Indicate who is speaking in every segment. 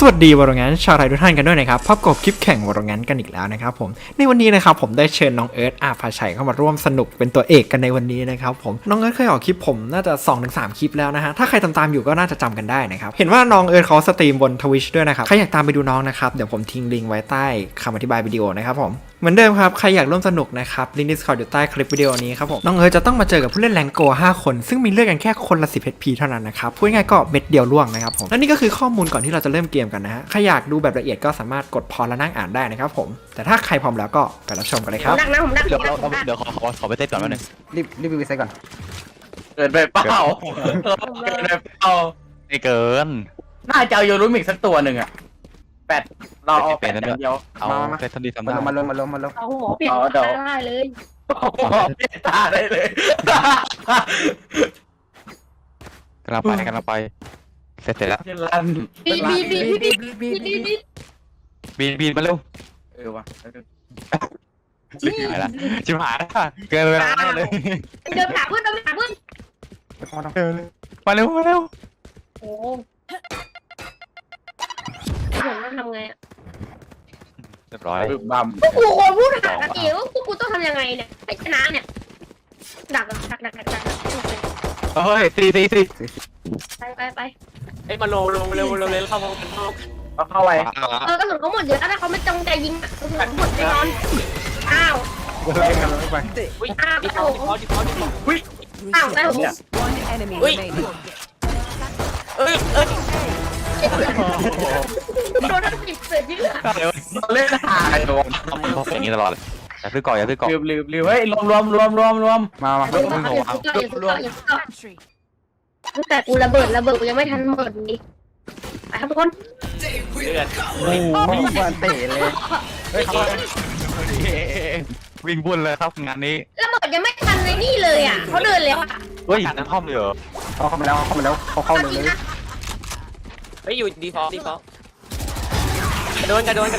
Speaker 1: วัสดีวอร์งั้นชาวไทยทุกท่านกันด้วยนะครับพบกับคลิปแข่งวอร์งั้นกันอีกแล้วนะครับผมในวันนี้นะครับผมได้เชิญน้องเอิร์ธอาภาชัยเข้ามาร่วมสนุกเป็นตัวเอกกันในวันนี้นะครับผมน้องเอิร์ธเคยออกคลิปผมน่าจะ 2-3 คลิปแล้วนะฮะถ้าใครตามอยู่ก็น่าจะจำกันได้นะครับเห็นว่าน้องเอิร์ธเขาสตรีมบน Twitch ด้วยนะครับใครอยากตามไปดูน้องนะครับเดี๋ยวผมทิ้งลิงก์ไว้ใต้คำอธิบายวิดีโอนะครับผมเหมือนเดิมครับใครอยากร่วมสนุกนะครับลิงก์ Discord อยู่ใต้คลิปวิดีโอนี้ครับผมน้องเอิร์ธจะต้องมาเจอกับผู้เล่นแรงโก5คนซึ่งมีเลือกกันแค่คนละ10 HP เท่านั้นนะครับพูดง่ายๆก็เม็ดเดียวล่วงนะครับผมและนี่ก็คือข้อมูลก่อนที่เราจะเริ่มเกมกันนะฮะใครอยากดูแบบละเอียดก็สามารถกดพอและนั่งอ่านได้นะครับผมแต่ถ้าใครพร้อมแล้วก็ไปรับชมกันเลยครับ
Speaker 2: ดักนะผมดัก
Speaker 3: เดี๋ยวขอไปเต้นก่อนแป๊บนึง
Speaker 4: รีบไปเซ็ตก่อน
Speaker 3: เกินไปเปล่าเกินไปเปล่าไม่เกิน
Speaker 5: น่าจะเอาโยรุมิกสักตัวหนึ่งอะแปดเราเอาแปดอย่างเดียว
Speaker 3: เอาเต้นทันทีทำ
Speaker 4: มา
Speaker 3: ได้
Speaker 4: ลงมาลง
Speaker 2: เอาหัวเปลี่ยนได้เลย
Speaker 5: เปลี่ยนตาได้เลย
Speaker 3: กำลังไปเสร็จแล้ว
Speaker 5: เจรัน
Speaker 2: บี
Speaker 3: มาเร็ว
Speaker 5: ว่ะ
Speaker 3: ชิบหายละเกินเวลาแน่เลย
Speaker 2: เดินหาเพื่อนเดินหาเพื่อน
Speaker 3: มาเร็ว
Speaker 2: โอ้ผมต้องทำไงอ่ะ
Speaker 3: เรียบร้อย
Speaker 5: บัม
Speaker 2: พวกกูคนพูดหากันเองว่าพวกกูต้องทำยังไงเนี่ยไอ้ชนะเนี่ยดัก
Speaker 3: เฮ้ยตี
Speaker 2: ไป
Speaker 6: เอ้ยมาลงเร็วเข้ามากันนอก
Speaker 5: เอาเข้าไป
Speaker 2: กระสุนเขาหมดเยอะแล้วถ้าเขาไม่จงใจยิงกระสุนหมดแน่นอนอ้าว
Speaker 6: อุ้ย
Speaker 2: อ้าว
Speaker 6: ดีพอ
Speaker 2: อ้าวได้ผม
Speaker 7: One enemy
Speaker 6: Wait.
Speaker 7: remaining.
Speaker 6: เอ้ย
Speaker 2: โดนทั้ง10เสือที่เหลือ
Speaker 5: เล่นหาโดน
Speaker 3: อย่างนี้ตลอดเลยอย่าซื้อก่อน
Speaker 5: ลืมเฮ้ยรวม
Speaker 4: มา
Speaker 2: แต่กูระเบิดกูยังไม่ทันเปิดนี่ไปครับทุกคน
Speaker 6: เลือด
Speaker 4: วันเตะเลย
Speaker 3: วิ่งบุญเลยครับงานนี้
Speaker 2: ระเบิดยังไม่ทันในนี่เลยอ่ะเขาเดินแล้วอ่ะ
Speaker 3: เฮ้ยน้ำท่อมเลยเหรอ
Speaker 4: เขาเข้ามาแล้วเข้าเลย
Speaker 6: เฮ้ยอยู่ดีฟอลกระโดน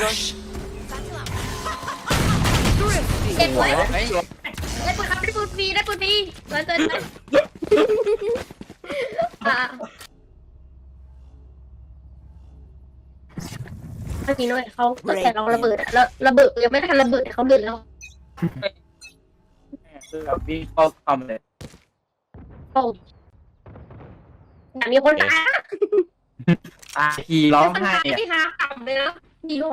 Speaker 2: เด็กไว้ได้ปืนครับได้ปืนฟรีเกินเมื่อกี้น้อยเขาแต่เราระเบิดแล้วระเบิดยังไม่ทันระเบิดเขาเดินแล้ว
Speaker 5: คือแบบวิ่งเข้าคำเลย
Speaker 2: โอ้อยากมีคนตาย
Speaker 5: ตาทีร้องไห้
Speaker 2: ที่หาต่ำเลยนะดีโล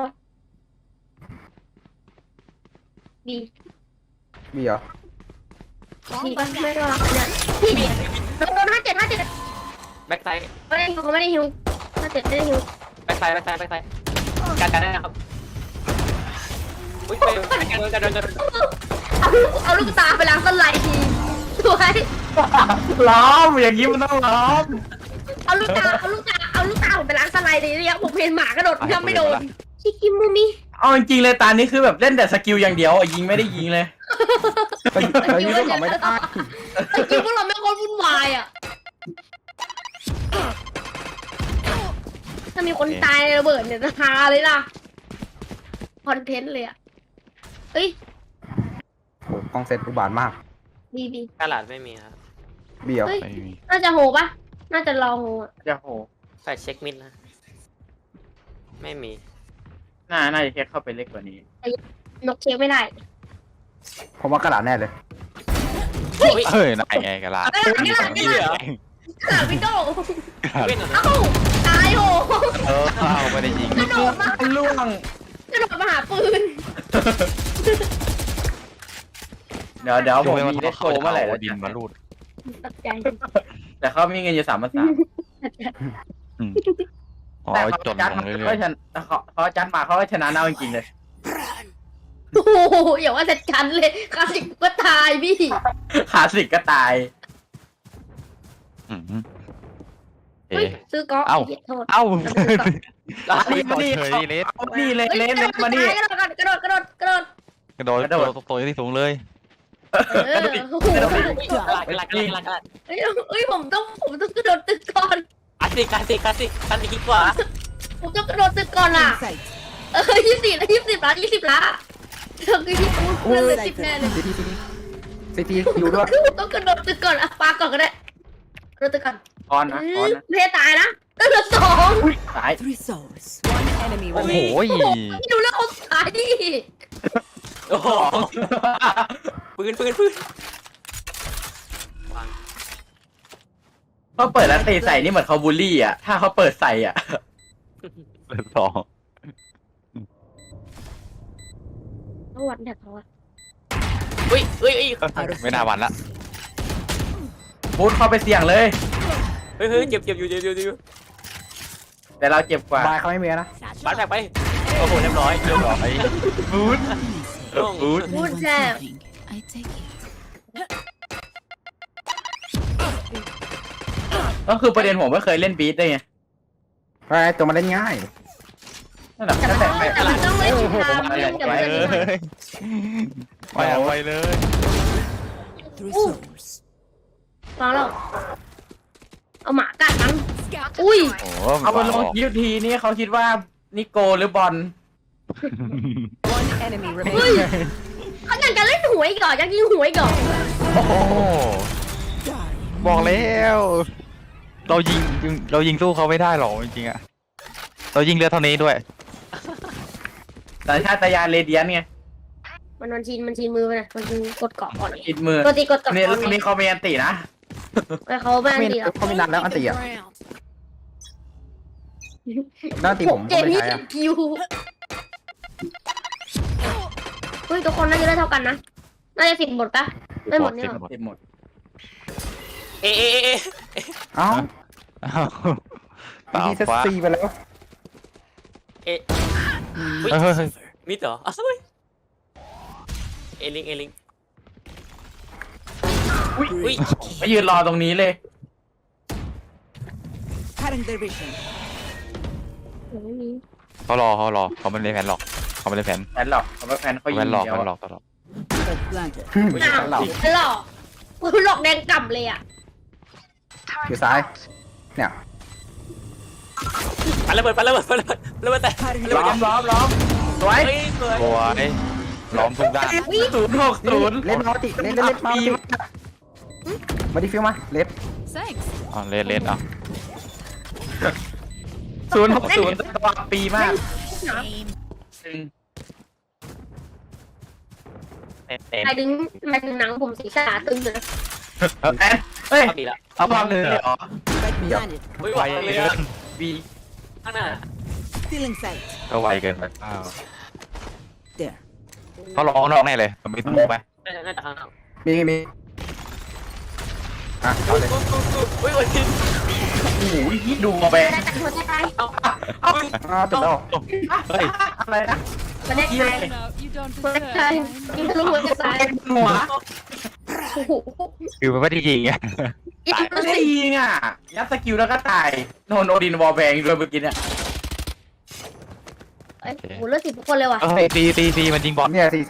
Speaker 2: ดี
Speaker 4: มีเหรอ
Speaker 2: ดีป่ะไม่รอเนี่ยพี่โดน57
Speaker 6: แบ็คไซด์
Speaker 2: เขาไม่ได้ฮิว57ไม่ได้ฮิว
Speaker 6: แบ็คไซด์กันได้นะครับอุ้ยกระโดน
Speaker 2: เอาลูกตาไปล้างสไลด์ทีสวย
Speaker 5: ล้อมอย่างนี้มันต้องล้อม
Speaker 2: เอาลูกตาผมไปล้างสไลด์เลยเนี่ยผมเห็นหมากระโดดยังไม่โดนชิคิมูมิ
Speaker 5: เอาจริงเลยตานี้คือแบบเล่นแต่สกิลอย่างเดียวยิงไม่ได้ยิงเลย
Speaker 4: ไปยืนของไม่ได้
Speaker 2: จริงพวกเราไม่คนวุ่นวายอ่ะถ้ามีคนตายในระเบิดเนี่ยจะฮาเลยล่ะคอนเทนต์เลยอ่ะเฮ้ย
Speaker 4: โอ้กองเซ็ตอุบาทมาก
Speaker 2: ดี
Speaker 6: กระดาษไม่มีครับ
Speaker 4: เบี้ยว
Speaker 2: เฮ้ย
Speaker 3: ไม่มี
Speaker 2: น่าจะโหปะน่าจะรอโหอ่ะ
Speaker 5: จะโห
Speaker 6: ใส่เช็คมิดนะไม่มี
Speaker 5: น่าจะแค่เข้าไปเล็กกว่านี้
Speaker 2: นกเช็คไม่ได้
Speaker 4: ผมว่ากระดาษแน่เลย
Speaker 3: เฮ้ยนายไงกันล่ะ
Speaker 2: กระดาษพี่โด
Speaker 6: เว้นเหรอ
Speaker 2: เอ้าตายโห
Speaker 3: ไม่ได้ยิง
Speaker 2: กระโดดมา
Speaker 5: ล่วง
Speaker 2: หาปืน
Speaker 5: เดี๋ยวผมมีได้โชว์เมื่อไหร่แล้ว
Speaker 3: ดินมาลูด
Speaker 2: ตกใจ
Speaker 5: แต่เขามีเงินอยู่3,300
Speaker 3: อ๋อ
Speaker 5: แต่เขา
Speaker 3: จน
Speaker 5: จัด
Speaker 3: ล
Speaker 5: มาง
Speaker 3: เรื่
Speaker 5: เขา
Speaker 3: อย
Speaker 5: ชนะเขาจัดมาเขาก็ชนะเอาจริงๆเลย
Speaker 2: โอ้โหอย่าว่าแต่ฉันเลยคลาสสิกก็ตายพี่
Speaker 5: ขาสิกก็ตาย
Speaker 3: ๆ
Speaker 2: เฮ้ยซื้อก๊อกเหยียดโทษ
Speaker 3: เอ้า
Speaker 5: นี่มานี่
Speaker 3: เฉยเลส
Speaker 5: นี่เลยเลสมานี่
Speaker 2: กระโดด
Speaker 3: กระโดดตัวที่สูงเลย
Speaker 2: โอ้โห
Speaker 6: กระดาษ
Speaker 2: เฮ้ยผมต้องกระโดดตึกก่อน
Speaker 6: คลาสสิกคิดกว่า
Speaker 2: ผมต้องกระโดดตึกก่อนอ่ะ
Speaker 7: Sight.
Speaker 2: 20 ล้านเธอคือที่พูดเพื่อนเลย10แน่เลย
Speaker 4: ซีทีอยู่ด้วย
Speaker 2: ต้องกระโดดตึกก่อนอ่ะปาก่อนก็ได้กระโดดตึกก่อน
Speaker 5: ออนนะ
Speaker 2: เพตายนะเหลือสอง
Speaker 5: ตาย
Speaker 7: Three souls. One enemy
Speaker 3: โอ้โห
Speaker 7: remaining.
Speaker 2: พี่ดูเรื่องคนสุดท้ายดิ
Speaker 6: โอ้โหปืนวาง
Speaker 5: เขาเปิดแล้วตีใส่นี่เหมือนเขาบูลลี่อ่ะถ้าเขาเปิดใส่อ่ะ
Speaker 3: สอง
Speaker 2: เขาวัดแท็กเขาอะ
Speaker 6: อุ้ย
Speaker 3: ไม่น่าวันละ
Speaker 5: บูทเข้าไปเสี่ยงเลย
Speaker 6: เฮ้ยเจ็บอยู่
Speaker 5: แต่เราเจ็บกว่า
Speaker 4: บายเขาไม่มีนะ
Speaker 6: บาดแผลไปโอ้โหเรียบร้อย
Speaker 5: บูท
Speaker 2: พูดแซ่บ
Speaker 7: I take it.
Speaker 5: ก็คือประเด็นผมไม่เคยเล่นบีทได้ไง
Speaker 4: ไปตัวมันเล่นง่าย
Speaker 5: นั่นแหละ
Speaker 2: แต่
Speaker 5: ตั้งแต่
Speaker 2: มันต้องเล่นตาม
Speaker 5: ไป
Speaker 2: เล่นกับ
Speaker 5: ไป
Speaker 2: เพื่อน
Speaker 5: เลย
Speaker 3: ไปเอาไปเลย
Speaker 7: Three souls.
Speaker 2: ฟังแล้วเอาหมากัดมันอุ้ย
Speaker 3: โอ้
Speaker 5: เอาไปลงคลิปทีนี่เขาคิดว่านิโกหรือบอล
Speaker 7: One enemy
Speaker 2: เฮ้ย
Speaker 7: remaining.
Speaker 2: เขาอยากจะเล่นหวยก่อนอยากยิงหวยก่อน
Speaker 3: โอ้โหบอกแล้วเรายิงสู้เขาไม่ได้หรอกจริงๆอะเรายิงเรือเท่านี้ด้วย
Speaker 5: สัญชาตญาณเรเดียนไง
Speaker 2: มันชินมือไปนะมันชินกดเกาะก่อน
Speaker 5: อิดมือ
Speaker 2: ปกติกดเกาะ
Speaker 5: เนี่ย
Speaker 2: ก่อน
Speaker 5: ลูกนี้เขามีอันตินะ
Speaker 2: แต่เขาไม่ดีหรอก
Speaker 4: เขามีนัดแล้วอันตีอ่ะด้านตีผม
Speaker 2: เจ
Speaker 4: ก็ไม่
Speaker 2: มี่
Speaker 4: ใช้อ่ะ
Speaker 2: คิวเฮ้ยทุกคนน่าจะได้เท่ากันนะน่าจะ10 หมดปะไม่หมดเนี่ยหรอ
Speaker 5: ติดหมด
Speaker 6: เอะ
Speaker 4: เอ้า
Speaker 3: อ้าวเปล่า
Speaker 4: ทีเซต
Speaker 3: ฟ้า
Speaker 4: ซีไปแล้ว
Speaker 3: เฮ้ย
Speaker 6: มิดเหรออ้าวเอลิง อุ้ย
Speaker 5: ไปยืนรอตรงนี้เลย
Speaker 7: Cutting their vision.
Speaker 2: ไม่มี
Speaker 3: เขารอเขาไม่เล่นแผนหรอกเขาไม่เล่นแผน
Speaker 5: แฟนหลอกเขาไม่แฟนเขายิ
Speaker 3: แผ
Speaker 5: ง
Speaker 3: นหลอก
Speaker 5: เดียว
Speaker 3: แผนหลอก
Speaker 7: They're blinded.
Speaker 4: ไม่ใช่เรา
Speaker 2: หลอกคุณหลอกแดงกล่ำเลยอ่ะ
Speaker 4: อยู่ซ้าย เนี่ย
Speaker 6: ปันระเบิดแต่
Speaker 5: ล้อมสวย
Speaker 6: เฮ้ยสวย
Speaker 3: โอ้ยล้อมทุกด้าน
Speaker 5: 060
Speaker 4: เล่นมาติเล่นมาติมาดิฟิวมาเล็บ
Speaker 7: Thanks.
Speaker 3: อ๋อเล่นอ่ะ
Speaker 5: 060ตัวปีมาก
Speaker 2: ใครดึงหนังผมสีขาตึงเลย
Speaker 5: แอนเฮ้ย
Speaker 6: เอาดีละ
Speaker 5: เอาบอลเลยเหรอ
Speaker 7: Spike planted.
Speaker 6: อุ้ย
Speaker 3: ไว
Speaker 6: วางเลย
Speaker 3: เกิน
Speaker 5: บี
Speaker 6: ข้างหน้า
Speaker 7: Still in sight.
Speaker 3: ก็ไวเกินไป
Speaker 7: There.
Speaker 3: เขาร้องนอกแน่เลยมันไม่ถูกไหม
Speaker 6: น่าจะข้างหน้า
Speaker 4: มีอ่ะเอาเลย
Speaker 6: อุ้ยทิน
Speaker 5: โอ้โหดูมาไป
Speaker 2: ได้แต่หัวใจตาย
Speaker 6: เอา
Speaker 4: อ้าวจบแล้ว
Speaker 3: เฮ้ย
Speaker 5: อะไรนะ
Speaker 2: มันได้ตายหัวใจตายยิงทะลุหัวใจตาย
Speaker 5: หัว
Speaker 2: โอ้โห
Speaker 3: คือมันไม่ได้ยิงไง
Speaker 2: ยิง
Speaker 5: ไม่ได้ยิงอ่ะยัดสกิลแล้วก็ตายโดนโอดินวอลแบงด้วยเมื่อกี้เนี่ย
Speaker 2: โอ้โหเลือด10 ทุกคนเลยว่ะ
Speaker 3: เฮ้ยตีมันยิงบอล
Speaker 4: เนี่ยซี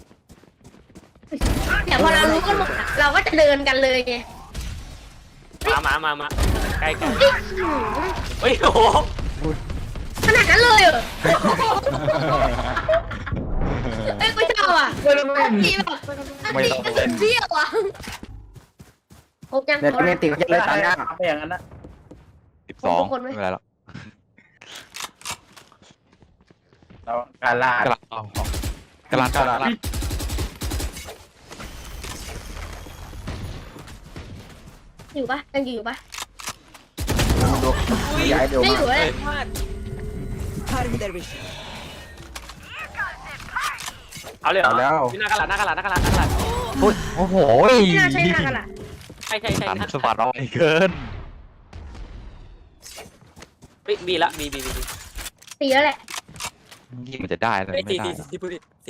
Speaker 2: เดี๋ยวพอเรารู้กันหมดอะเราก็จะเดินกันเลยไง
Speaker 6: มาใกล้เฮ้ยโอ้โห
Speaker 2: ขนาดนั้นเลยเหรอเอ้ยไม่ชอบอ่ะตีแบบตีเบี้ยวอ่ะครบยัง
Speaker 4: เนี่ยเมติก็จะเลยตามยาก
Speaker 5: ไปอย่างนั้นนะ
Speaker 3: 12ไม่เป็นไรหรอก
Speaker 5: เราการล่าก
Speaker 3: ำลัง
Speaker 2: อยู่ปะยังอยู่ปะ
Speaker 4: ดูย้ายเดี๋ยว
Speaker 2: ไม่
Speaker 4: มา
Speaker 2: อยู่เลย
Speaker 7: Cutting their vision.
Speaker 6: เอาเลยเหรอ
Speaker 4: เอาแล้ว
Speaker 6: หน้ากระดาษ
Speaker 3: โอ้โห
Speaker 2: ไม่น่าใช่หน้ากันล่ะ
Speaker 6: ใช่
Speaker 3: อันสวัสดิ์เอาไปเกิน
Speaker 6: เฮ้ยบีละบี
Speaker 2: ตีแล้วแหละ
Speaker 3: ยิงมันจะได้เลย
Speaker 6: เฮ้ย
Speaker 3: ไม่ได้
Speaker 6: ตี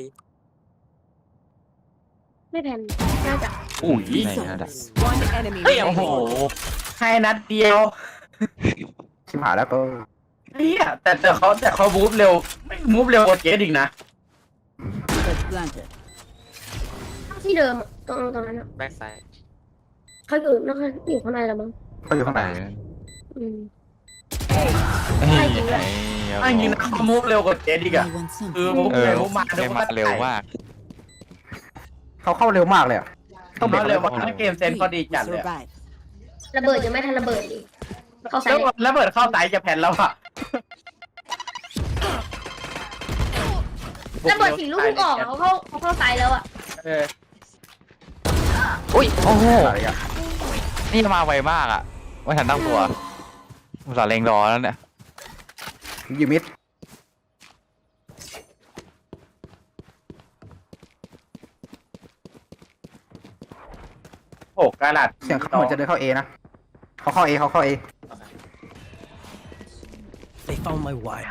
Speaker 2: ไม่แผ่นน่าจะ
Speaker 5: อุ้ย
Speaker 7: Three
Speaker 3: ไม่ได้
Speaker 7: souls. One enemy
Speaker 6: เฮ้ย
Speaker 5: โอ้โห
Speaker 7: remaining.
Speaker 5: ให้นัดเดียว
Speaker 4: ชิมหายแล้วก็
Speaker 5: เฮียแต่เขามูฟเร็วไม่มูฟเร็วกว่าเจสอีกนะ
Speaker 7: They're planted.
Speaker 2: ที่เดิมตรงนั้นอ่ะ
Speaker 6: แบ็คไซด์
Speaker 2: เขาอยู่ข้างในแล้วมั้ง
Speaker 4: เขาอยู่ข้างใน
Speaker 2: อืม
Speaker 5: ถ้าจริงนะเขามูฟเร็วกว่าเจสอีกอะ
Speaker 7: I want
Speaker 5: คือ
Speaker 7: something.
Speaker 5: มูฟ
Speaker 3: เออ
Speaker 5: เร็วมูฟมา
Speaker 3: ไม่มาเร็วมาก
Speaker 4: เขาเข้าเร็วมากเลยอ่ะ
Speaker 5: ต้องเร็วมากเกมเซนเขาดีจัดเลย
Speaker 7: Survive.
Speaker 2: ระเบิดยังไม่ทันระเบิดดิเข้าไซ
Speaker 5: แล้ว
Speaker 2: ส์
Speaker 5: เบิดเข้าไซส์จะแผ่นแล้วอ่ะ
Speaker 2: ระเบิดสี่ลูกเพิ่งออกอะเขาเข้าไซส์แล้วอ่ะ
Speaker 5: เออ
Speaker 3: อุ้ยโอ้โห
Speaker 4: อะไรอ่ะ
Speaker 3: นี่มาไวมากอ่ะไม่ทันตั้งตัวอุตส่าห์เล็งรอแล้วเนี่ย
Speaker 4: อยู่มิด
Speaker 5: 6กะลัด
Speaker 4: เสียงเขาเหมือนจะเดินเข้าเอนะเขาเข้าเอเขาเข้าเอ
Speaker 8: They found my wire.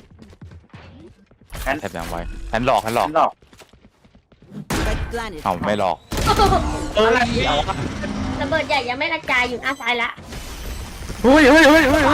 Speaker 3: แทบยังไวแทนหลอก
Speaker 5: หลอก
Speaker 7: Red planet.
Speaker 3: เอาไม่หลอก
Speaker 5: อะไรเอา
Speaker 2: ระเบิดใหญ่ยังไม่กระจายอยู่หน้าซ้ายละ
Speaker 4: เฮ้ย
Speaker 3: ตาย
Speaker 2: เริ่ม
Speaker 3: นะ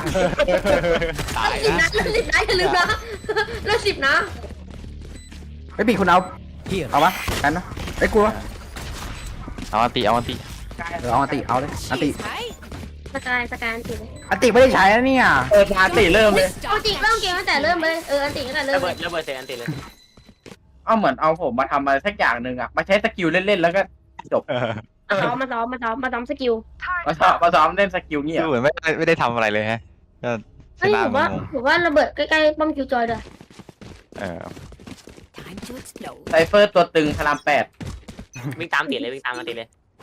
Speaker 2: สิบนะอย่าลืมนะเริ่ม10นะ
Speaker 4: ไม่ปีคุณเอา
Speaker 8: Here.
Speaker 4: เอาปะกันนะไอ้กลัว
Speaker 3: เอาอันติ
Speaker 4: เอาอันติเอาเลยอันติ
Speaker 2: สกายอันติเลย
Speaker 4: อันติไม่ได้ใช้นะเนี่ย
Speaker 5: ชาติเริ่มเลย
Speaker 2: เอาจริงเริ่มเกมตั้งแต่เริ่มเลยอันติตั้งแต่เริ่
Speaker 6: ระ
Speaker 2: ม
Speaker 6: เบิ
Speaker 2: เล
Speaker 6: ด
Speaker 2: ย
Speaker 6: ระเบิดเสร็จอันติเลย
Speaker 5: เอาเหมือนเอาผมมาทำอะไรสักอย่างหนึ่งอ่ะมาใช้สกิลเล่นๆแล้วก็จบ
Speaker 2: มาซ้อมสกิล
Speaker 5: มาซ้อมเล่นสกิลเงี้ย
Speaker 3: ดูเหมือนไม่ได้ทำอะไรเลยฮะก็ช
Speaker 2: เฮ้ย
Speaker 3: นะ
Speaker 2: ผมว่าง
Speaker 3: ง
Speaker 2: ผมว่าระเบิดใกล้ๆป้อมคิวจอยเลย
Speaker 3: เออ
Speaker 7: Time to explode.
Speaker 5: ไซเฟอร์ตัวตึงพลาม8
Speaker 6: วิ่งตามติดเลยวิ่งตามมาติดเลย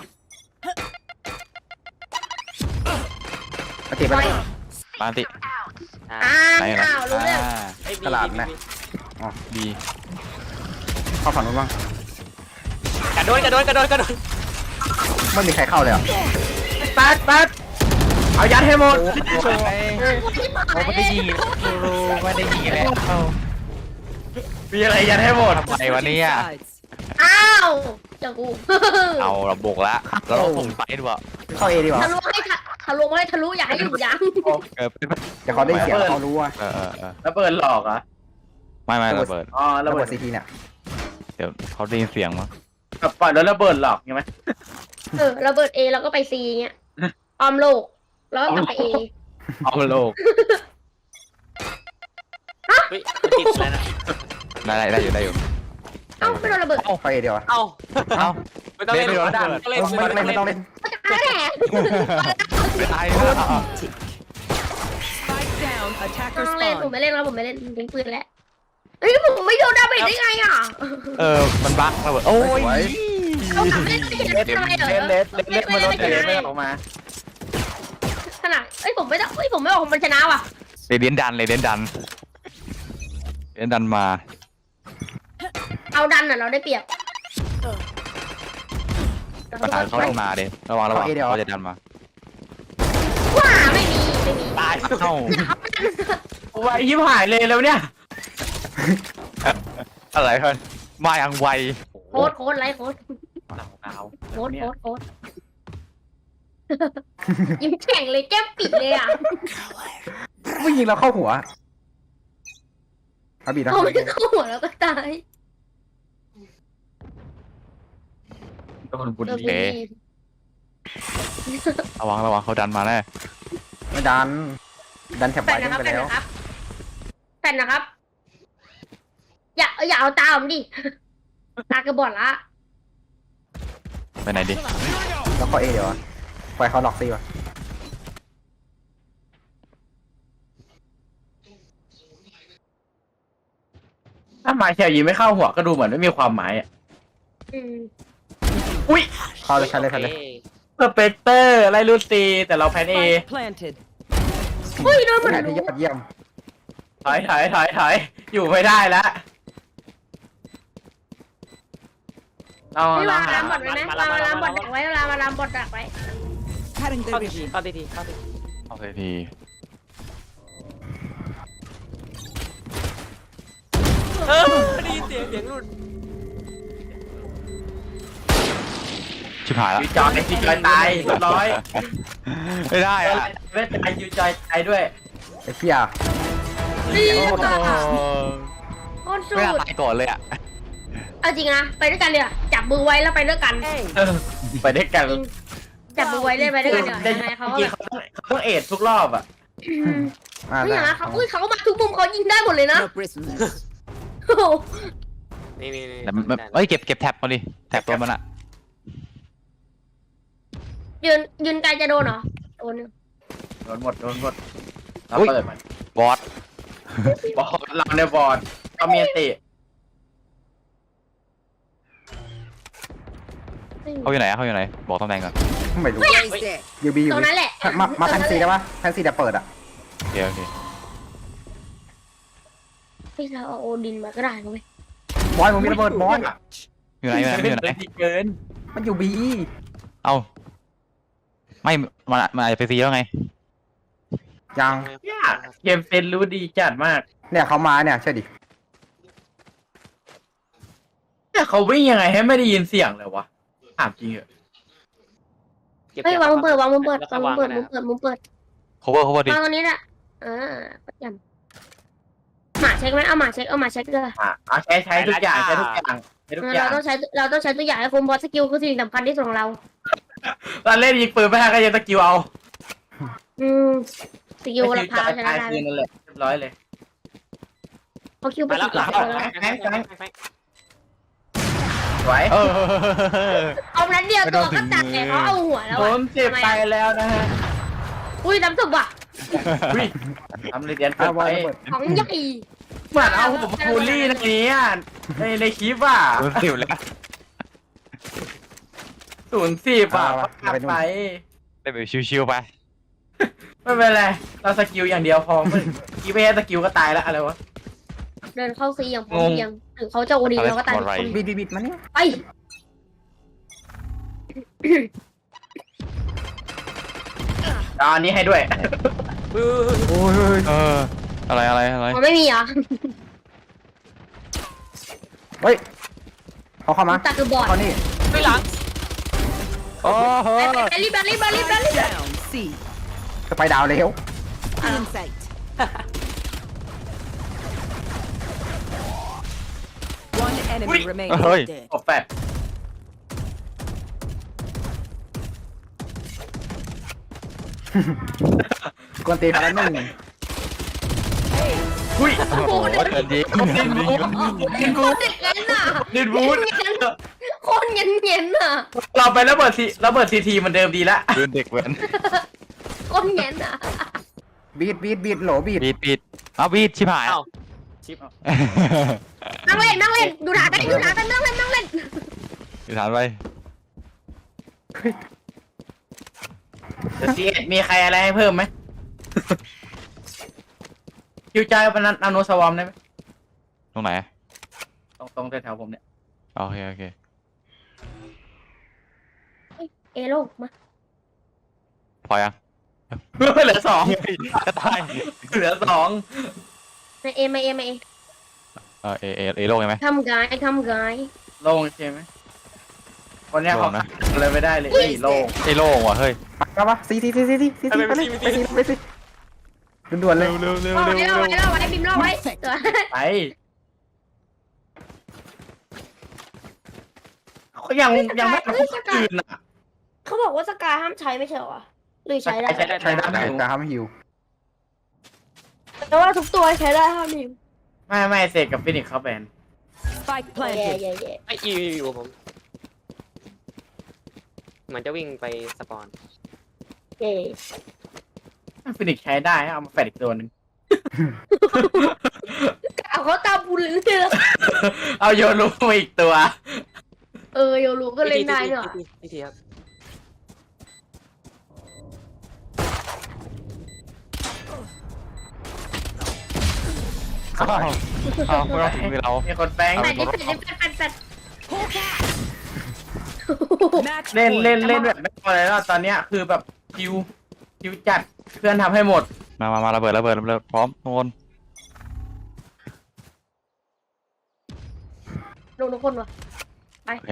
Speaker 4: อันติไปเลย
Speaker 3: ปาอันติ
Speaker 6: อ่า
Speaker 3: ไหนเหรอ
Speaker 2: รู้เรื่อง
Speaker 6: เฮ้ย
Speaker 4: ตลาดไหม
Speaker 3: บี
Speaker 4: เข้าฝั่งนู้นบ้าง
Speaker 6: กระโดด
Speaker 4: ไม่มีใครเข้าเลยเหรอ
Speaker 5: ปัดเอายัดให้หมด
Speaker 3: ไม่ได้ยิงไม่ได้ยิงแล้ว
Speaker 5: มีอะไรยัดให้หมด
Speaker 3: ทำไมวะเนี่ย
Speaker 7: Sides.
Speaker 2: อ้าวเจ้ากู
Speaker 3: เอาเราบุกละเราต้องส่งไปด้วย
Speaker 4: เข้าเอดีกว่า
Speaker 2: ทะลุให้ทะลุอย่าให้อยู่ยัง
Speaker 3: เออเป็น
Speaker 4: เดี๋ยวเขาได้เสียงเขารู้ว่า
Speaker 3: เออ
Speaker 5: ระเบิดหลอกเหรอ
Speaker 3: ไม่ระเบิด
Speaker 5: อ๋อระ
Speaker 4: ระ
Speaker 5: เบิ
Speaker 4: เบิ
Speaker 5: ด
Speaker 4: ดซีทีเนี่ย
Speaker 3: เดี๋ยวเขาได้ยินเสียงมั้ง
Speaker 5: แบบปล่อยแล้วระเบิดหลอกใช่ไหม
Speaker 2: ระเบิด A แล้วก็ไป C เงี้ยออมโลกแล้วก็กลับไป A
Speaker 3: เอาโลก
Speaker 6: เฮ้ยมันติดแล้วนะ
Speaker 3: ได้อยู่
Speaker 2: เอ้าไม่โดนระเบิด
Speaker 4: เข้าเอเดียวอะ
Speaker 6: เอ้า
Speaker 3: เอา
Speaker 6: ไม่ต้องเล่น
Speaker 3: เล่น
Speaker 6: ไม่ต้องเล่น
Speaker 4: ไม่ต้องเล่น
Speaker 2: ก็จะแหละ
Speaker 3: ไม่ตาย
Speaker 7: Spike down.
Speaker 2: ต้
Speaker 7: Attacker
Speaker 2: องเล่นผม
Speaker 7: spawn.
Speaker 2: ไม่เล่นแล้วผมไม่เล่นทิ้งปืนแล้วเฮ้ยผมไม่โดนดาเมจได้ไงอ่ะ
Speaker 3: มันบั๊กระเบิดโอ้ย
Speaker 2: เขากลับเล่นไม่เห็นทำไมเหรอ
Speaker 5: เล็ดมาโดนเล็ดไม่ออกมา
Speaker 2: ขนาดผมไม่ออกผมชนะว่ะ
Speaker 3: เรเดียนดันมา
Speaker 2: เอาดันอ่ะเราได้เปรียบ
Speaker 3: ประธานเขาลงมาเด้ระวังเขาจะดันมา
Speaker 2: ว้าไม่มี
Speaker 6: ตาย
Speaker 3: เอ้า
Speaker 5: ไวยิ้มหายเลยแล้วเนี่ย
Speaker 3: อะไรเพื่อนมาอย่างไว
Speaker 2: โค้ดไลฟ์โค้ด
Speaker 5: หนาว
Speaker 2: โค้ดยิ้มแข็งเลยแก้มปิดเลยอ่ะ
Speaker 4: ไม่ยิงเราเข้าหัวอาบีนะ
Speaker 2: เขาไม่เข้าหัวแล้วก็ตาย
Speaker 5: โดนบุญ
Speaker 2: เออ
Speaker 5: ดี
Speaker 3: ระวังเขาดันมาแน่
Speaker 4: ไม่ดันแถบ
Speaker 2: แฟ
Speaker 4: ไว้
Speaker 2: นนะครับ
Speaker 4: ไปแล้ว
Speaker 2: แฟนนะครับ อย่าเอาตาผมดิตากระบอกละ
Speaker 3: ไปไหนดิ
Speaker 4: แล้วเข้าเอเดียวอะปล่อยเขาล็อกซีว่ะ
Speaker 5: ถ้ามาแค่ยิงไม่เข้าหัวก็ดูเหมือนไม่มีความหมายอ่ะ อุ้ย
Speaker 4: เข้าเลยใช้เลย
Speaker 5: สเปกเตอร์ไล่ลูซีแต่เราแพ้เอ
Speaker 7: Spike planted.
Speaker 2: เฮ้ยโดนหมด
Speaker 4: แผ
Speaker 2: เล
Speaker 4: นที่ยอดเยี่ยม
Speaker 5: ถอยอยู่ไม่ได้แล้วเรา
Speaker 2: ไม่วาง
Speaker 5: หา
Speaker 2: ลามบอดไว้ไหมวางลามบอดดักไว้เวลามาลามบอดดักไว้
Speaker 7: Cutting
Speaker 6: เข้า
Speaker 7: their
Speaker 6: ที
Speaker 7: vision.
Speaker 6: เข้าที
Speaker 3: โอเคที
Speaker 6: ได้ยินเสียงรุ่น
Speaker 3: ชิบหายแล้ว
Speaker 5: ยูจอยตายเรียบร้อย
Speaker 3: ไม่ได้อะ
Speaker 5: ไม่ตายยูจอยตายด้วย
Speaker 4: ไอ้เฟีย
Speaker 2: ดี
Speaker 3: โอ้
Speaker 2: ค่ะ
Speaker 3: โห
Speaker 2: โคตรสุ
Speaker 3: ไม่น่า
Speaker 2: ด
Speaker 3: ตายก่อนเลยอ่ะ
Speaker 2: เอาจริงนะไปด้วยกันเลยจับมือไว้แล้วไปด้วยกัน
Speaker 5: ไปด้วยกัน
Speaker 2: จริงจับมือไว้เลยไปด้วยกันเดี๋ยวยังไงเขาก็
Speaker 5: จริ
Speaker 2: แบ
Speaker 5: ง
Speaker 2: บ
Speaker 5: เขาต้องเอดทุกรอบอ่ะ
Speaker 4: มา
Speaker 2: ไม่อย่าง
Speaker 4: ได้
Speaker 2: นั้นเขาเขามาทุกมุมเขายิงได้หมดเลยนะ
Speaker 7: No prisoners.
Speaker 2: โอ้โห
Speaker 6: นี่
Speaker 3: แต่เอ้ยเก็บแท็บเขาดิแท็บตัวมันอ่ะ
Speaker 2: ยืนไกลจะโดนเหรอโดน
Speaker 5: โดนหมดเราเปิดมัน
Speaker 3: บอส
Speaker 5: บอลเราเนี่ยบอลก็มีอันติ
Speaker 3: เขาอยู่ไหนอะเขาอยู่ไหนบอกตำแหน่งก่อน
Speaker 4: ไม่รู้
Speaker 7: Where is it?
Speaker 4: ยูบี
Speaker 2: ตรงนั้นแหละ
Speaker 4: มาแพนซีได้ปะแพนซีเดี๋ยวเปิดอ่ะ
Speaker 3: โอเคโอเค
Speaker 2: พี่เราเอาโอดินมาก็ได้นะเว้ย
Speaker 4: บอยมึงมีระเบิดบอย
Speaker 3: อยู่ไหนอยู่ไหนอยู่ไหน
Speaker 5: เกิน
Speaker 4: มันอยู่บี
Speaker 3: เอ้าไม่มันอาจจะไปซีแล้วไง
Speaker 4: ยัง
Speaker 5: เนี่ยเกมเซนรู้ดีจัดมาก
Speaker 4: เนี่ยเขามาเนี่ยเชื่อดิ
Speaker 5: เนี่ยเขาวิ่งยังไงให้ไม่ได้ยินเสียงเลยวะถามจริงเหรอ
Speaker 6: เก็บ
Speaker 2: เฮ้ยวางมือเปิดวางมือเปิด
Speaker 6: แล้วก็
Speaker 2: วางมือเปิด
Speaker 6: วาง
Speaker 2: มือเปิด
Speaker 3: cover ดิ
Speaker 2: วางตรงนี้แหละประจำหมาเช็คไหมเอาหมาเช็คเลย
Speaker 5: เอาใช้ทุกอย่างใช้ทุกอย่างใช้ทุกอย่า
Speaker 2: เรา
Speaker 5: ง
Speaker 2: ต้องใช้ตัวอย่างให้คุ้มเพราะสกิลคือสิ่งสำคัญที่สุดของเรา
Speaker 5: ตอนเล่นยิงปืนไม่ได้ก็ยังตะกิ้วเอา
Speaker 2: สกิลหลักพาชนะ
Speaker 5: ตาย
Speaker 2: ได้
Speaker 5: คืนนั่นแหละเรียบร้อยเลย
Speaker 2: เขาคิวไป
Speaker 6: ไปแล้
Speaker 2: สิ
Speaker 6: ว
Speaker 2: บ
Speaker 6: หลั
Speaker 2: ห
Speaker 6: ง
Speaker 2: ลัก
Speaker 6: แล้ว
Speaker 5: สวย
Speaker 2: เอานั้นเดียวตัวก็ตายเขาเอาหัวแล้ว
Speaker 5: ผมเจ็บไปแล้วนะฮะ
Speaker 2: อุ้ยน้ำสุกว่ะ
Speaker 5: อุ้ยทำเรียนเกิ
Speaker 4: อ่ะ
Speaker 5: น
Speaker 4: บ
Speaker 5: ไป
Speaker 4: อยระเบิด
Speaker 2: ของใหญ่
Speaker 5: เหมือนเอาผมบูลลี่นะนี้ในคลิปอ่ะ
Speaker 3: โดนสิวแล้ว
Speaker 5: 0-10อ่ะปัดไป
Speaker 3: ได้แบบชิวๆไป
Speaker 5: ไม่เป็นไรเราสกิลอย่างเดียวพอกีไม่ให้สกิลก็ตายแล้วอะไรวะ
Speaker 2: เดินเข้าซีอย่างพร้อมเพรียงถึงเขาจะโอดีเราก็ตาย
Speaker 4: บิดมาเนี่ย
Speaker 2: ไป
Speaker 5: ตอนนี้ให้ด้วย
Speaker 4: โอ้ย
Speaker 3: อะไร
Speaker 2: มันไม่มีเหรอ
Speaker 4: เฮ้ยเขาเข้ามา
Speaker 2: ตาคือบอด
Speaker 4: เขานี่
Speaker 6: ไม่หลัง
Speaker 3: โอ้โห
Speaker 2: ไปรีบ
Speaker 7: Down. C.
Speaker 4: จะไปดาวเร็ว
Speaker 7: In sight. One enemy remaining.
Speaker 3: เฮ้ย
Speaker 7: Dead.
Speaker 5: โอ้แปด
Speaker 4: กวนตีนไปแล้วหนึ่ง
Speaker 5: อุ้ย
Speaker 3: โอ้โหเดินยิง
Speaker 5: ดินบูดิน
Speaker 2: โค
Speaker 5: บู
Speaker 2: ตรเงี้ยน่ะ
Speaker 5: ดินบู
Speaker 2: โคตรเงี้ยน่ะ
Speaker 5: เราไระเบิดทีมันเดิมดีละ
Speaker 3: เดินเด็กเหมือน
Speaker 2: โคตรเงี้ยน่ะ
Speaker 4: บีดโหลบีด
Speaker 3: บีดเอาบีดชิบหาย
Speaker 6: เอ้าชิป
Speaker 2: นั่งเล่นดูด่ากันนั่งเล่น
Speaker 3: อยู่ฐานไป
Speaker 5: ซีมีใครอะไรให้เพิ่มไหมคิวใจเป็นนาโนสวอมได้ไหม
Speaker 3: ตรงไหน
Speaker 5: ตรงแถวๆผมเนี่ย
Speaker 3: โอเค
Speaker 2: เอโลมา
Speaker 3: พอยัง
Speaker 5: เหลือ 2
Speaker 3: จะตาย
Speaker 5: เหลือ 2
Speaker 2: เอมา
Speaker 3: เอโลกใช่ไหม
Speaker 2: ทำกาย
Speaker 5: โล่งใช่ไหมคนเนี้ยเขาเลยไม่ได้เลยโล่ง
Speaker 3: เอโลกว่ะเฮ้ย
Speaker 4: มาปะซีไปเลยไปสิด่วนเลย
Speaker 3: เร็ว
Speaker 2: ไว้บิมล่อไว้ตัว
Speaker 5: ไปเขายังไม่ตื่นอ่ะ
Speaker 2: เขาบอกว่าสกายห้ามใช้ไม่ใช่เหรอหรือใช้ได้
Speaker 5: ใช้ได้
Speaker 4: ใช้ได้แต่ห้ามฮิว
Speaker 2: แต่ว่าทุกตัวใช้ได้ห้ามหิว
Speaker 5: ไม่เสกกับฟินิกเขาแบน
Speaker 7: Spike
Speaker 2: แย่
Speaker 7: planted.
Speaker 6: ไออยู่ผมมันจะวิ่งไปสปอน
Speaker 5: ฟินิกใช้ได้เอามาแฟดอีกตัวหนึ่ง
Speaker 2: เอาเขาตามบุญหรือเปล่า
Speaker 5: เอาโยรูมาอีกตัว
Speaker 2: โยรู้ก็เล่นได้เนอะ
Speaker 6: ทีครับ
Speaker 3: เอาไม่ต้องถึงมือเรา
Speaker 5: มีคนแปลง
Speaker 2: แปด
Speaker 7: Match
Speaker 5: เล่น
Speaker 7: point.
Speaker 5: แบบไม่พอเลยแล้วตอนเนี้ยคือแบบคิวจัดเพื่อนทำให้หมด
Speaker 3: มาระเบิดพร้อมทุกคน
Speaker 2: ลงทุกคนวะ
Speaker 3: โอเค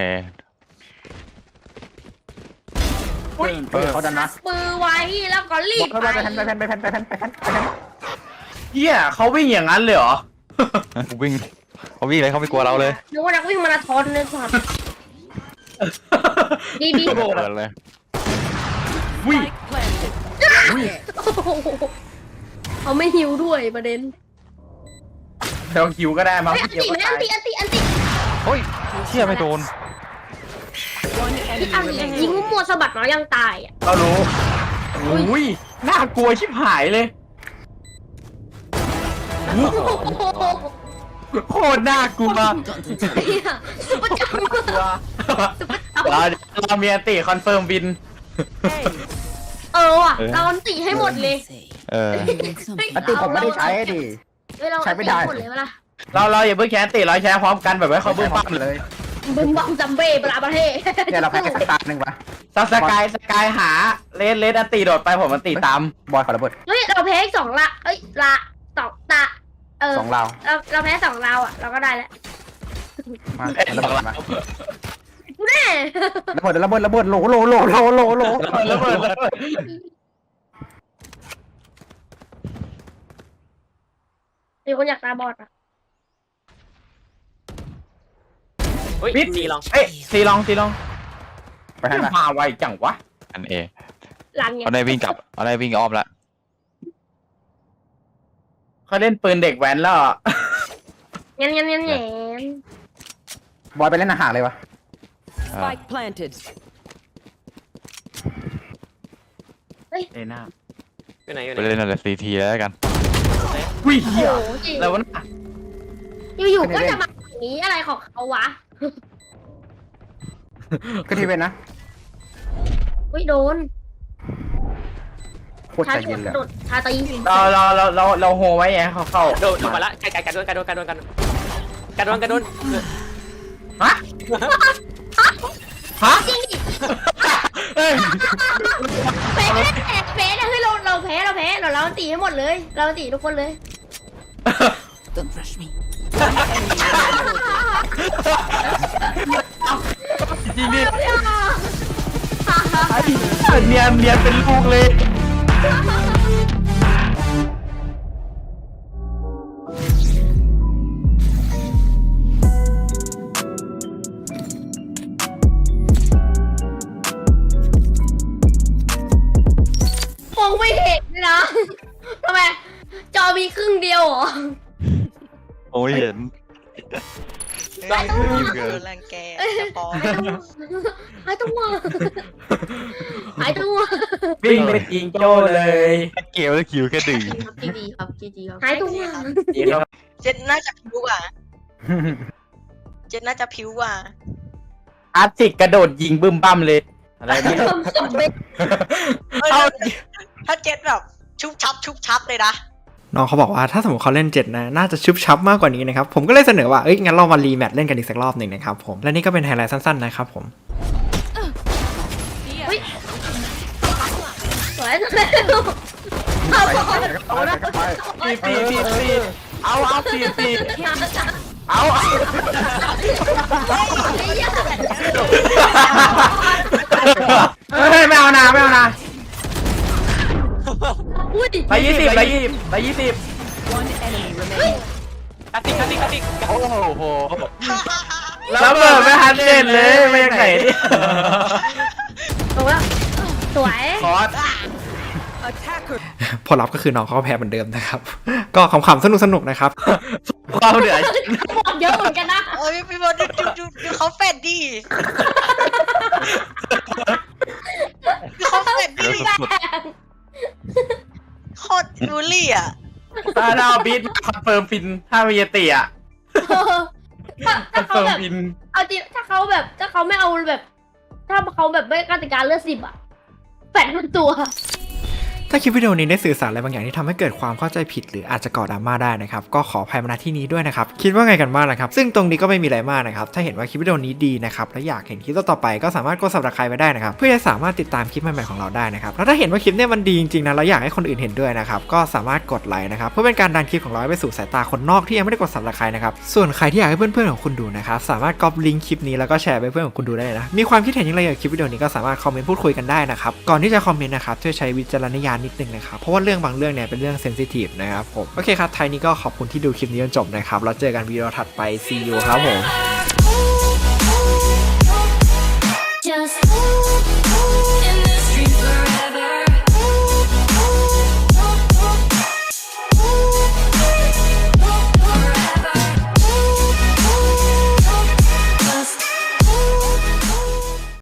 Speaker 4: เขาดันนะ
Speaker 2: มือไว้แล้วก็รีบ
Speaker 4: ไปแพน
Speaker 5: เฮียเขาวิ่งอย่างนั้นเลยเหรอ
Speaker 3: วิ่งเขาวิ่งเลยเขาไม่กลัวเราเลย
Speaker 2: นึกว่านักวิ่งมาราธอนเลยสัตว์ดี
Speaker 3: เปิดเลย
Speaker 5: วิ่ง
Speaker 7: Spike planted.
Speaker 2: เขาไม่หิวด้วยประเด็น
Speaker 5: เดี๋ยวคิวก็ได้มา
Speaker 2: เฮ้ยอัน
Speaker 5: เดียว
Speaker 2: ติ
Speaker 5: ก็
Speaker 2: ไหม
Speaker 5: ตาย
Speaker 2: อันติ
Speaker 3: เฮ้ยเชี่ยไม่โดน
Speaker 7: One
Speaker 2: ที่
Speaker 7: enemy
Speaker 2: อันติยิง
Speaker 7: remaining.
Speaker 2: มัวสะบัดมายังตายอ่ะ
Speaker 5: เรารู้อุ้ยน่ากลัวชิบหายเลย โคตรน่ากลัว
Speaker 2: ซุปเปอร์จัม
Speaker 5: กลัวเรามีอันติคอนเฟิร์มวิน
Speaker 2: ว่ะเราอันติให้หมดเลย
Speaker 3: เออ
Speaker 4: อันตีผมไม่ได้ใช้ดิ
Speaker 2: เรา
Speaker 4: ใช้ไม่ได้
Speaker 2: หมดเลยเวลา
Speaker 5: เราอย่าเพิ่งแคนติเราแชร์พร้อมกันแบบไว้เขาบึ้มปั้ม
Speaker 4: เลย
Speaker 2: บึ้มบัมจัมเบ้ปลาประเทศ
Speaker 4: เนี่ยเราแพ้แค่ตาหนึ่งวะ
Speaker 5: สกายหาเลสอันติโดดไปผมอันติตาม
Speaker 4: บอยขอระเบิด
Speaker 2: เฮ้ยเราแพ้อีก2ละเอ้ยละ2ตา
Speaker 4: สองเรา
Speaker 2: เราแพ้2เราอ่ะเราก็ได้แล้ว
Speaker 4: มาระเบิดมา
Speaker 2: แน่
Speaker 4: ระเบิดโหล
Speaker 5: ระเบิด
Speaker 2: มีคนอยากตาบอดอ่ะ
Speaker 6: เฮ้ย
Speaker 5: ปิด
Speaker 6: สีลอง
Speaker 5: เอ้ยซีลอง
Speaker 4: ไปให้มา
Speaker 5: มาไวจังวะ
Speaker 3: อันเอ
Speaker 2: รันไง
Speaker 3: เอาได้วิ่งกลับเอาได้วิ่งอ้อมละ
Speaker 5: เขาเล่นปืนเด็กแว้นแล้วอะ
Speaker 2: งั้น
Speaker 4: บอยไปเล่นอาหารเลยวะ
Speaker 7: Spike planted.
Speaker 5: เอ้ยน่า
Speaker 6: อยู่ไหนอยู่ไห
Speaker 3: ไป
Speaker 6: น
Speaker 3: เล่นอะไรCTแล้วกัน
Speaker 5: วิ่ง
Speaker 2: โอ้
Speaker 5: เหี้ย
Speaker 2: โหจริง
Speaker 5: แล้ววะน่ะ
Speaker 2: อยู่ๆก็จะมาอย่างนี้อะไรของเขาวะ
Speaker 4: ก็ทีเวนนะ
Speaker 2: อุ้ยโดน
Speaker 4: โคตรใจเย็นเลย
Speaker 2: โดดชาตี
Speaker 5: เราโฮไว้ไงเขาเข้า
Speaker 6: โดนมาละกัดโดน
Speaker 5: ฮะ
Speaker 2: จริงดิ
Speaker 5: เฮ้ย
Speaker 2: แพ้เฮ้ยเราแพ้เราตีให้หมดเลยเราตีทุกคนเลย
Speaker 7: Don't rush me.
Speaker 5: จริงดิเนียนเป็นลูกเลย
Speaker 2: มองไม่เห็นเลยนะทำไมจอมีครึ่งเดียวเหรอ
Speaker 3: โอ้ยเห็น
Speaker 2: ต้อง
Speaker 3: เกิน
Speaker 9: รังแกจะพอ
Speaker 2: หายตัว
Speaker 5: วิ่งไปยิงโจ้เลย
Speaker 3: เกลแล้วคิวแค่ดึง
Speaker 2: หายตัว
Speaker 9: เจ็ดน่าจะพิ้วกว่าเจ็ดน่าจะพิ้วกว่า
Speaker 5: อาร์ติกกระโดดยิงบึ้มปั้มเลยอะไรนี่
Speaker 9: เออถ้าเจ็ดแบบชุบชับเลยนะ
Speaker 1: น้องเขาบอกว่าถ้าสมมติเขาเล่น7นะน่าจะชุบชับมากกว่านี้นะครับผมก็เลยเสนอว่างั้นเรามารีแมตช์เล่นกันอีกสักรอบหนึ่งนะครับผมและนี่ก็เป็นไฮไลท์สั้นๆนะครับผม
Speaker 2: สวยจังเลย
Speaker 5: ปีเอาปีเอาเฮ้ยไม่เอานะ
Speaker 2: อุ้ย
Speaker 5: ไป20
Speaker 7: One enemy remaining.
Speaker 6: กัดติก
Speaker 3: โอ้โห
Speaker 5: แล้วเบิดไม่ทันเล่นเลยไม่ยังไงดิ
Speaker 2: ตรงแล้วสวย
Speaker 5: คอร์ส
Speaker 7: Attacker.
Speaker 1: ผลลัพธ์ก็คือน้องเขาก็แพ้เหมือนเดิมนะครับ ก็ขำๆสนุกๆนะครับ
Speaker 5: ความเหนื่อย
Speaker 2: บอดเยอะเหมือนกันนะ
Speaker 9: โอ้ยพี่บอลดูเขาแฟดดิดูเขาแฟดดิ
Speaker 3: เดี๋ยวสุด
Speaker 9: โคตรบูลลี่อ่ะ
Speaker 5: ถ้าเราบีทคอนเฟิร์มฟินถ้ามีเตียค
Speaker 2: ถ้า
Speaker 5: อน
Speaker 2: เขา
Speaker 5: เฟิร์ม
Speaker 2: แบบ
Speaker 5: ฟิน
Speaker 2: เอาจริงถ้าเขาไม่เอาแบบ ถ้าเขาแบบไม่กติกาเลือด10อะแปะทั้งตัว
Speaker 1: ถ้าคลิปวิดีโอนี้ได้สื่อสารอะไรบางอย่างที่ทำให้เกิดความเข้าใจผิดหรืออาจจะก่อดราม่าได้นะครับก็ขออภัยมาณที่นี้ด้วยนะครับคิดว่าไงกันบ้างนะครับซึ่งตรงนี้ก็ไม่มีอะไรมากนะครับถ้าเห็นว่าคลิปวิดีโอนี้ดีนะครับและอยากเห็นคลิปต่อไปก็สามารถกด Subscribe ไปได้นะครับเพื่อจะสามารถติดตามคลิปใหม่ๆของเราได้นะครับแล้วถ้าเห็นว่าคลิปเนี้ยมันดีจริงๆนะแล้วอยากให้คนอื่นเห็นด้วยนะครับก็สามารถกดไลค์นะครับเพื่อเป็นการดันคลิปของเราไปสู่สายตาคนนอกที่ยังไม่ได้กด Subscribe นะครับส่วนใครที่อยากให้เพื่อนๆของคุณดูนะครับสามารถก๊อปลิงก์คลิปนี้แล้วก็แชร์ไปเพื่อนของคุณดูได้นะมีความคิดเห็นอย่างไรเกี่ยวกับคลิปวิดีโอนี้ก็สามารถคอมเมนต์พูดคุยกันได้นะครับก่อนที่จะคอมเมนต์นะครับช่วยใช้วิจารณญาณนิดนึงนะครับเพราะว่าเรื่องบางเรื่องเนี่ยเป็นเรื่องเซนซิทีฟนะครับผมโอเคครับท้ายนี้ก็ขอบคุณที่ดูคลิปนี้จนจบนะครับแล้วเจอกันวิดีโอถัดไป see you ครับผม
Speaker 2: Just